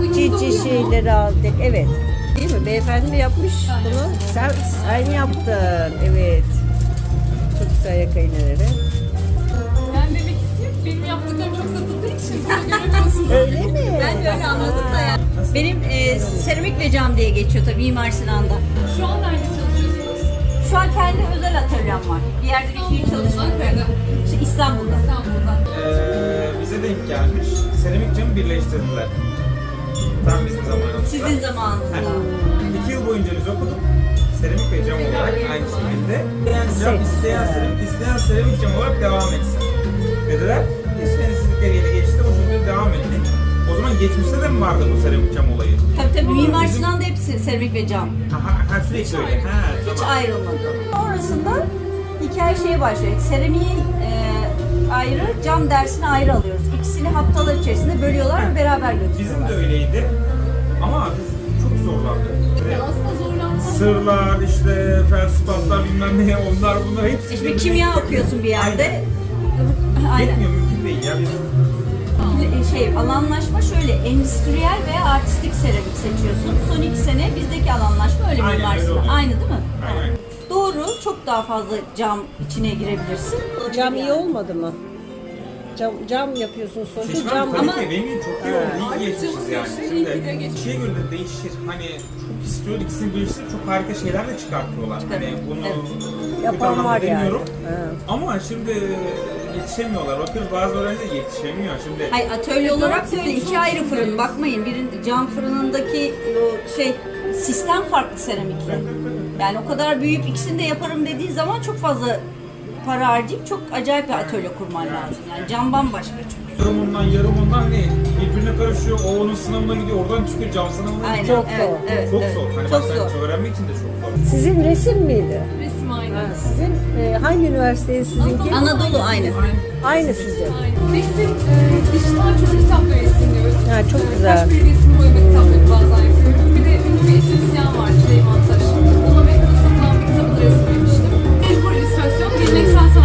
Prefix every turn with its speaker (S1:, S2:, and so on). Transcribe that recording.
S1: cici şeyleri aldık. Evet. Değil mi? Beyefendi mi yapmış bunu? Sen yaptın. Evet. Çok güzel yaka iğneleri.
S2: Ben demek istiyorum ki benim yaptıklarım çok satıldığı için bunu göremiyorsunuz.
S1: Öyle mi?
S3: Ben de öyle anladım da yani. Benim seramik ve cam diye geçiyor tabii Mimar Sinan'da.
S2: Şu an nerede çalışıyorsunuz?
S3: Şu an kendi özel atölyem var. Bir yerde bir fiil çalışmak yok. İşte İstanbul'da.
S2: İstanbul'da.
S4: Bize denk gelmiş. Seramik camı birleştirdiler. Tam bizim zamanımızda.
S3: Sizin zamanınızda.
S4: 2 yıl boyunca biz okuduk. Seramik ve cam olarak aynı şekilde. İsteyen seramik cam olarak devam etsin dediler. İsteyen istedikleri yere geçti. O şekilde devam ettik. O zaman geçmişte de mi vardı bu seramik cam olayı?
S3: Tabii Mimar Sinan'da hepsi seramik ve cam.
S4: Ha sürekli öyle.
S3: Hiç ayrılmadı. Sonrasında hikaye şeye başlıyor. Seramiğin ayrı, cam dersini ayrı alıyoruz. İkisini haftalar içerisinde bölüyorlar ve beraber götürüyorlar.
S4: Bizim de öyleydi. Ama biz çok zorlandık.
S2: Aslında zorlanmak.
S4: Sırlar, işte felspatlar bilmem ne, onlar bunlar hepsi.
S3: İşte kimya okuyorsun bir yerde. Aynen.
S4: Yetmiyor, mümkün değil ya.
S3: Alanlaşma şöyle, endüstriyel veya artistik seramik seçiyorsun. Son 2 sene bizdeki alanlaşma öyle
S4: Aynen,
S3: Mimar
S4: öyle
S3: Sinan.
S4: oluyor.
S3: Aynı değil mi?
S4: Aynen.
S3: Doğru, çok daha fazla cam içine girebilirsin.
S1: Cam iyi olmadı mı? Cam yapıyorsun sonuçta.
S4: Seçmen
S1: Cam
S4: kalite
S3: ama-
S4: benim için çok iyi oldu. İyi geçmişiz yani.
S2: iyi ki de
S4: Şimdi
S2: geçmiş.
S4: şeye göre de değişir. Hani çok istiyor, ikisini birleştirip çok harika şeyler de çıkartıyorlar. Hani bunu kötü
S1: yapan
S4: anlamda
S1: var yani.
S4: demiyorum.
S1: Ha.
S4: Ama şimdi yetişemiyorlar. Bakıyoruz bazı öğrenciler yetişemiyor. Şimdi
S3: Hayır, atölye olarak da öyle 2 ayrı fırın. Bakmayın, cam fırınındaki o sistem farklı seramikle. Yani o kadar büyüyüp ikisini de yaparım dediği zaman çok fazla para harcayıp çok acayip bir atölye kurman lazım. Yani cam bambaşka çünkü.
S4: yarım ondan ne? Birbirine karışıyor. O onun sınavına gidiyor. Oradan çıkıyor. Cam sınavına
S3: Aynen.
S4: gidiyor.
S1: Çok zor.
S3: Evet,
S4: Çok
S3: evet.
S4: zor. Hani
S3: Çok
S4: başlangıç
S3: zor.
S4: öğrenmek için de çok zor.
S1: Sizin resim miydi?
S2: Resim aynı.
S1: Ha, sizin hangi üniversiteye sizinki?
S3: Anadolu aynı.
S1: Aynı sizin.
S2: Resim, dijital çocuk kitapları resimliyoruz.
S1: Ha, çok güzel.
S2: Kaç bir resim boyama kitapları bazen yapıyorum. Bir de ünlü bir estetisyen var Süleyman Taş. Ona Amerika'da satılan bir kitabını resimlemiştim. Mecbur illüstrasyon, geleneksel